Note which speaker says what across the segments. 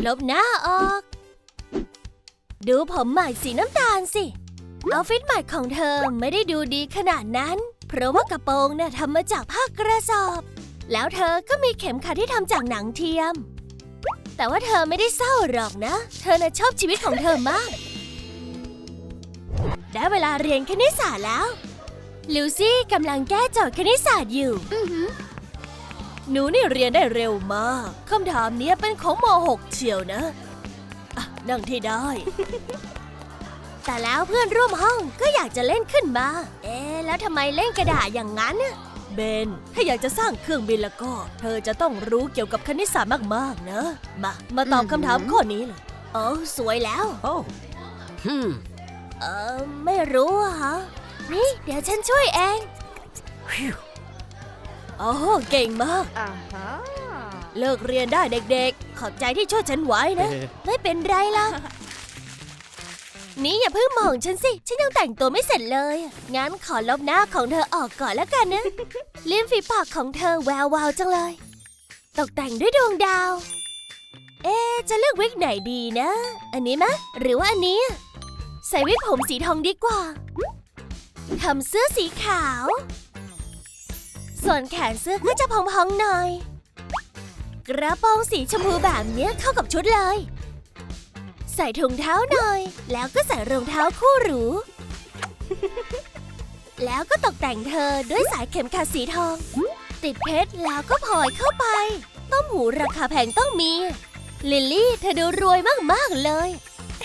Speaker 1: ลบหน้าออกดูผมใหม่สีน้ำตาลสิเอาฟิตใหม่ของเธอไม่ได้ดูดีขนาดนั้นเพราะว่ากระโปรงน่ะทำมาจากผ้ากระสอบแล้วเธอก็มีเข็มขัดที่ทำจากหนังเทียมแต่ว่าเธอไม่ได้เศร้าหรอกนะเธอน่ะชอบชีวิตของเธอมากได้เวลาเรียนคณิตศาสตร์แล้วลิวซี่กำลังแก้โจทย์คณิตศาสตร์อยู่หนูนี่เรียนได้เร็วมากคำถามนี้เป็นของม.6 เชียวนะนั่งที่ได้ แต่แล้วเพื่อนร่วมห้องก็อยากจะเล่นขึ้นมาแล้วทำไมเล่นกระดาษอย่างนั้นเบนถ้าอยากจะสร้างเครื่องบินแล้วก็เธอจะต้องรู้เกี่ยวกับคณิตศาสตร์มากๆนะมาตอบคำถามข้อนี้เลยสวยแล้วไม่รู้อะฮะนี่เดี๋ยวฉันช่วยเองเก่งมากเลิกเรียนได้เด็กๆขอบใจที่ช่วยฉันไว้นะไม่เป็นไรล่ะนี่อย่าเพิ่งมองฉันสิฉันยังแต่งตัวไม่เสร็จเลยงั้นขอลบหน้าของเธอออกก่อนแล้วกันนะลิ้มฝีปากของเธอแวววาวจังเลยตกแต่งด้วยดวงดาวจะเลือกวิกไหนดีนะอันนี้มะหรือว่าอันนี้ใส่วิกผมสีทองดีกว่าทำเสื้อสีขาวส่วนแขนเสื้อก็จะพองๆหน่อยกระโปรงสีชมพูแบบนี้เข้ากับชุดเลยใส่ถุงเท้าหน่อยแล้วก็ใส่รองเท้าคู่หรูแล้วก็ตกแต่งเธอด้วยสายเข็มขัดสีทองติดเพชรแล้วก็พลอยเข้าไปต้มหูราคาแพงต้องมีลิลลี่เธอดูรวยมากๆเลย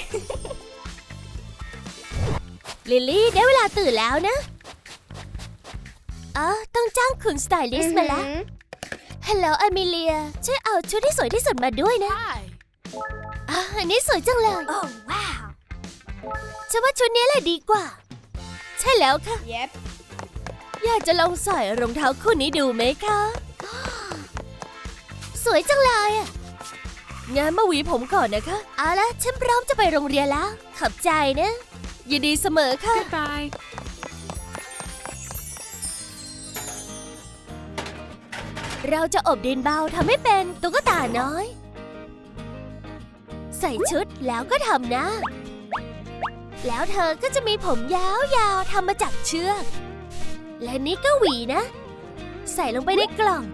Speaker 1: ลิลลี่ได้เวลาตื่นแล้วนะต้องจ้างคุณสไตลิสต์มาแล้วฮัลโหลอเมเลียช่วยเอาชุดที่สวยที่สุดมาด้วยนะอันนี้สวยจังเลยโอ้ว้าวฉันว่าชุดนี้แหละดีกว่าใช่แล้วค่ะ
Speaker 2: Yep.
Speaker 1: อยากจะลองใส่รองเท้าคู่นี้ดูไหมคะสวยจังเลยงั้นมาหวีผมก่อนนะคะเอาละฉันพร้อมจะไปโรงเรียนแล้วขอบใจนะยินดีเสมอค่ะ
Speaker 2: Goodbye.
Speaker 1: เราจะอบดินเบาทำให้เป็นตุ๊กตาน้อยใส่ชุดแล้วก็ทำนะแล้วเธอก็จะมีผมยาวๆทำมาจากเชือกและนี่ก็หวีนะใส่ลงไปในกล่อง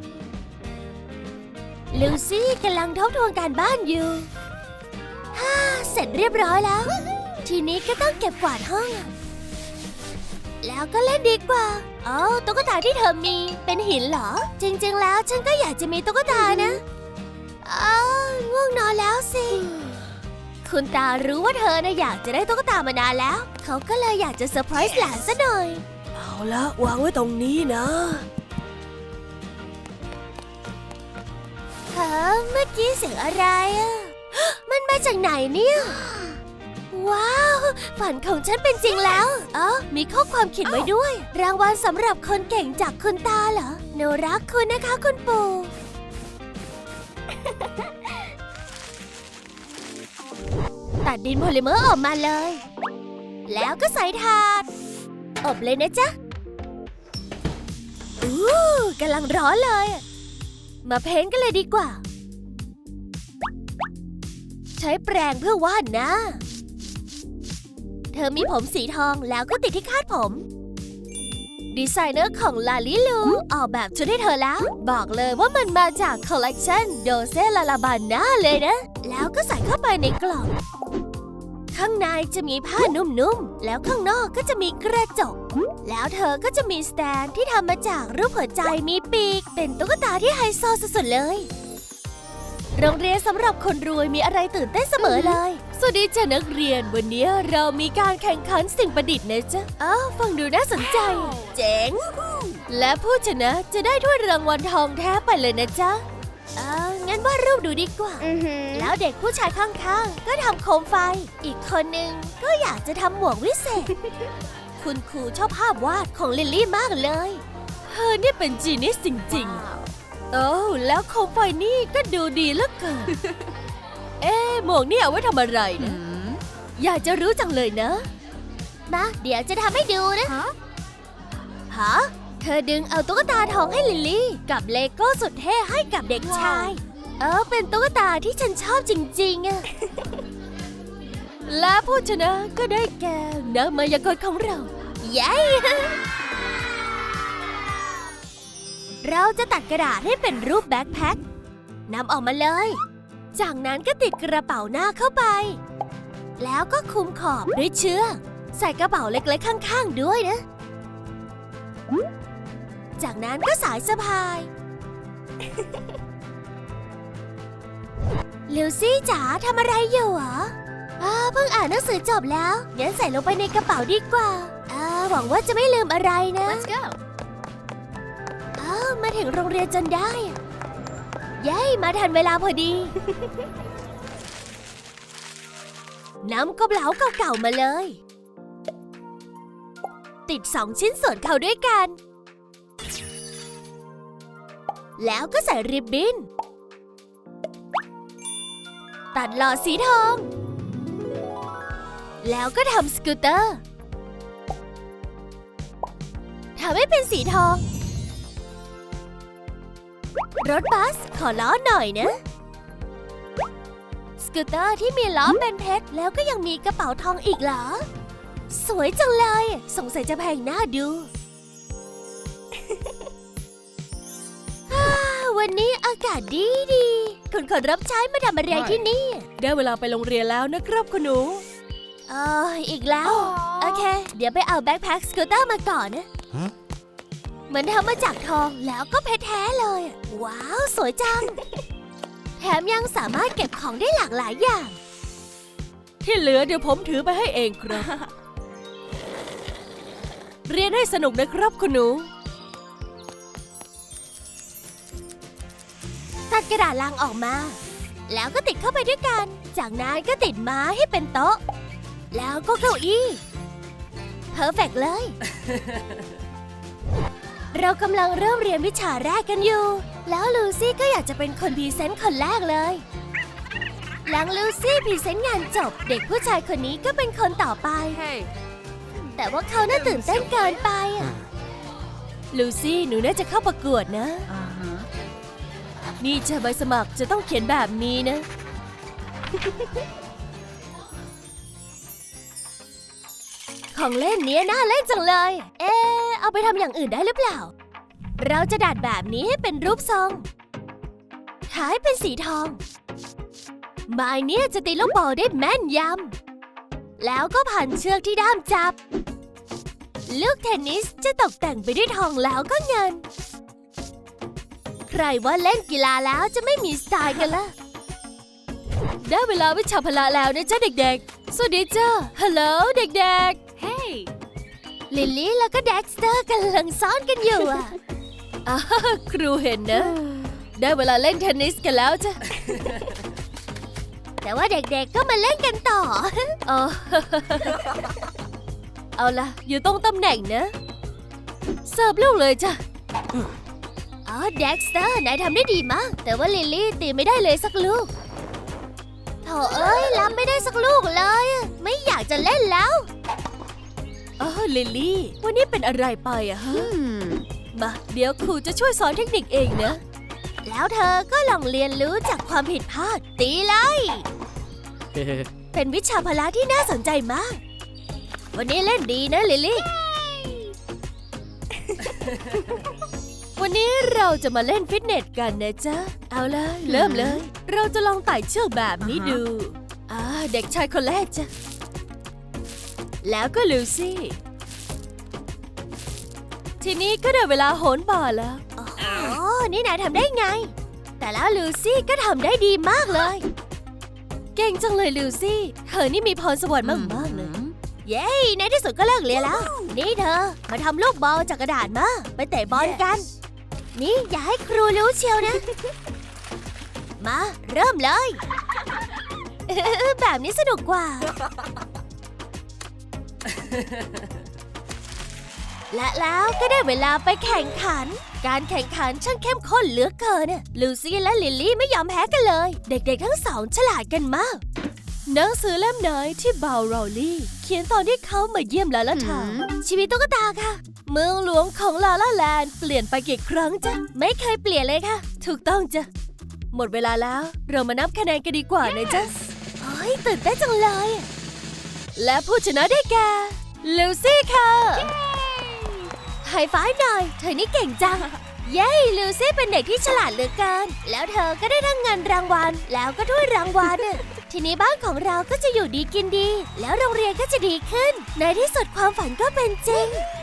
Speaker 1: ลูซี่กำลังทบทวนการบ้านอยู่เสร็จเรียบร้อยแล้วทีนี้ก็ต้องเก็บกวาดห้องแล้วก็เล่นดีกว่าตุ๊กตาที่เธอมีเป็นหินเหรอจริงๆแล้วฉันก็อยากจะมีตุ๊กตานะง่วงนอนแล้วสิคุณตารู้ว่าเธอน่ะอยากจะได้ตุ๊กตามานานแล้วเขาก็เลยอยากจะเซอร์ไพรส์หลานซะหน่อยเอาละวางไว้ตรงนี้นะเมื่อกี้เสียงอะไรมันมาจากไหนเนี่ยว้าวฝันของฉันเป็นจริงแล้วมีข้อความเขียนไว้ด้วยรางวัลสำหรับคนเก่งจากคุณตาเหรอหนูรักคุณนะคะคุณปู่ตัดดินโพลิเมอร์ออกมาเลยแล้วก็ใส่ถาดอบเลยนะจ๊ะกำลังร้อนเลยมาเพ้นท์กันเลยดีกว่าใช้แปรงเพื่อวาดหน้าเธอมีผมสีทองแล้วก็ติดที่คาดผมดีไซเนอร์ของลาลิลูออกแบบชุดให้เธอแล้วบอกเลยว่ามันมาจากคอลเลกชันโดเซลาลาบาน่าเลยนะแล้วก็ใส่เข้าไปในกล่องข้างในจะมีผ้านุ่มๆแล้วข้างนอกก็จะมีกระจกแล้วเธอก็จะมีสแตนที่ทำมาจากรูปหัวใจมีปีกเป็นตุ๊กตาที่ไฮโซสุดๆเลยโรงเรียนสำหรับคนรวยมีอะไรตื่นเต้นเสมอเลยสวัสดีจ้ะนักเรียนวันนี้เรามีการแข่งขันสิ่งประดิษฐ์นะจ๊ะฟังดูน่าสนใจเจ๋งและผู้ชนะจะได้ถ้วยรางวัลทองแท้ไปเลยนะจ๊ะงั้นวาดรูปดูดีกว่าแล้วเด็กผู้ชายข้างๆก็ทำโคมไฟอีกคนนึงก็อยากจะทำหมวกวิเศษคุณครูชอบภาพวาดของลิลลี่มากเลยเธอนี่เป็นจีนิสจริงๆแล้วโคมไฟนี่ก็ดูดีเหลือเกินหมวกนี่เอาไว้ทำอะไรนะอยากจะรู้จังเลยนะมาเดี๋ยวจะทำให้ดูนะฮะเธอดึงเอาตุ๊กตาทองให้ลิลลี่กับเลโก้สุดเท่ให้กับเด็กชายเป็นตุ๊กตาที่ฉันชอบจริงๆอะและผู้ชนะก็ได้แก่นักมายากลของเราเย้ เราจะตัดกระดาษให้เป็นรูปแบ็คแพ็คนำออกมาเลยจากนั้นก็ติดกระเป๋าหน้าเข้าไปแล้วก็คลุมขอบด้วยเชือกใส่กระเป๋าเล็กๆข้างๆด้วยนะจากนั้นก็สายสะพาย ลิวซี่จ๋าทำอะไรอยู่หรอเพิ่งอ่านหนังสือจบแล้วงั้นใส่ลงไปในกระเป๋าดีกว่าหวังว่าจะไม่ลืมอะไรนะ
Speaker 2: Let's go
Speaker 1: มาถึงโรงเรียนจนได้เย้มาทันเวลาพอดี นำกระเป๋าเก่าๆมาเลยติด2 ชิ้นส่วนเข้าด้วยกันแล้วก็ใส่ริบบิ้นตัดหลอดสีทองแล้วก็ทำสกูตเตอร์ทำให้เป็นสีทองรถบัสขอล้อหน่อยนะสกูตเตอร์ที่มีล้อเป็นเพชรแล้วก็ยังมีกระเป๋าทองอีกเหรอสวยจังเลยสงสัยจะแพงน่าดู วันนี้อากาศดีคุณคนรับใช้มาทำอะไรที่นี่ได้เวลาไปโรงเรียนแล้วนะครับคุณหนูอีกแล้วโอเคเดี๋ยวไปเอาแบ็คแพ็คสกูตเตอร์มาก่อนนะเหมือนทำมาจากทองแล้วก็เพชรแท้เลยว้าวสวยจัง แถมยังสามารถเก็บของได้หลากหลายอย่างที่เหลือเดี๋ยวผมถือไปให้เองครับ เรียนให้สนุกนะครับคุณหนูตัดกระดาษลังออกมาแล้วก็ติดเข้าไปด้วยกันจากนั้นก็ติดไม้ให้เป็นโต๊ะแล้วก็เก้าอี้เพอร์เฟกต์เลย เรากำลังเริ่มเรียนวิชาแรกกันอยู่แล้วลูซี่ก็อยากจะเป็นคนพรีเซนต์คนแรกเลยหลังลูซี่พรีเซนต์งานจบเด็กผู้ชายคนนี้ก็เป็นคนต่อไป
Speaker 2: Hey
Speaker 1: แต่ว่าเขาน่าตื่นเต้นเกินไปลูซี่หนูน่าจะเข้าประกวดนะนี่จะใบสมัครจะต้องเขียนแบบนี้นะ ของเล่นเนี้ยน่าเล่นจังเลยเอาไปทำอย่างอื่นได้หรือเปล่าเราจะดัดแบบนี้ให้เป็นรูปทรงท้ายเป็นสีทองไม้เนี้ยจะตีลูกบอลได้แม่นยำแล้วก็พันเชือกที่ด้ามจับลูกเทนนิสจะตกแต่งไปด้วยทองแล้วก็เงินใครว่าเล่นกีฬาแล้วจะไม่มีสไตล์กันล่ะได้เวลาวิชาพละแล้วนะจ๊ะเด็กๆสวัสดีจ้าฮัลโหลเด็กๆ
Speaker 2: Hey
Speaker 1: ลิลลี่แล้วก็เด็กสเตอร์กำลังซ้อนกันอยู่ครูเห็นนะได้เวลาเล่นเทนนิสกันแล้วจ้ะ แต่ว่าเด็กๆก็มาเล่นกันต่อ เอาล่ะอยู่ตรงตำแหน่งนะเสิร์ฟลูกเลยจ้ะเด็กสเตอร์นายทำได้ดีมากแต่ว่าลิลลี่ตีไม่ได้เลยสักลูกโถเอ้ยรับไม่ได้สักลูกเลยไม่อยากจะเล่นแล้วลิลลี่วันนี้เป็นอะไรไปฮะมาเดี๋ยวครูจะช่วยสอนเทคนิคเองนะแล้วเธอก็ลองเรียนรู้จากความผิดพลาดตีเลย เป็นวิชาพละที่น่าสนใจมากวันนี้เล่นดีนะลิลลี่ วันนี้เราจะมาเล่นฟิตเนสกันนะจ๊ะเอาเลยเริ่มเลยเราจะลองไต่เชือกแบบนี้ดูเด็กชายคนแรกจ้ะแล้วก็ลูซี่ทีนี้ก็ได้เวลาโหนบ่าแล้วนี่นายทำได้ไงแต่แล้วลูซี่ก็ทำได้ดีมากเลยเก่งจังเลยลูซี่เธอนี่มีพรสวรรค์มากๆเลยเย้ในที่สุดก็เลิกเรียนแล้วนี่เธอมาทำลูกบอลจากกระดาษมาไปเตะบอลกันนี่อย่าให้ครูรู้เชียวนะ มาเริ่มเลย แบบนี้สนุกกว่า และแล้วก็ได้เวลาไปแข่งขันการแข่งขันช่างเข้มข้นเหลือเกินลูซี่และลิลลี่ไม่ยอมแพ้กันเลยเด็กๆทั้งสองฉลาดกันมากหนังสือเล่มไหนที่บาวโรลลี่เขียนตอนที่เขามาเยี่ยมลาลาทาวน์ชีวิตตุ๊กตาค่ะเมืองหลวงของลาลาแลนด์เปลี่ยนไปกี่ครั้งจ๊ะไม่เคยเปลี่ยนเลยค่ะถูกต้องจ้ะหมดเวลาแล้วเรามานับคะแนนกันดีกว่านะจ๊ะเฮ้ยตื่นเต้นจังเลยและผู้ชนะได้แก่ลูซี่ค่ะไฮไฟว์หน่อยเธอนี่เก่งจังเย้ลูซี่เป็นเด็กที่ฉลาดเหลือเกินแล้วเธอก็ได้ทั้งเงินรางวัลแล้วก็ถ้วยรางวัลทีนี้บ้านของเราก็จะอยู่ดีกินดีแล้วโรงเรียนก็จะดีขึ้นในที่สุดความฝันก็เป็นจริง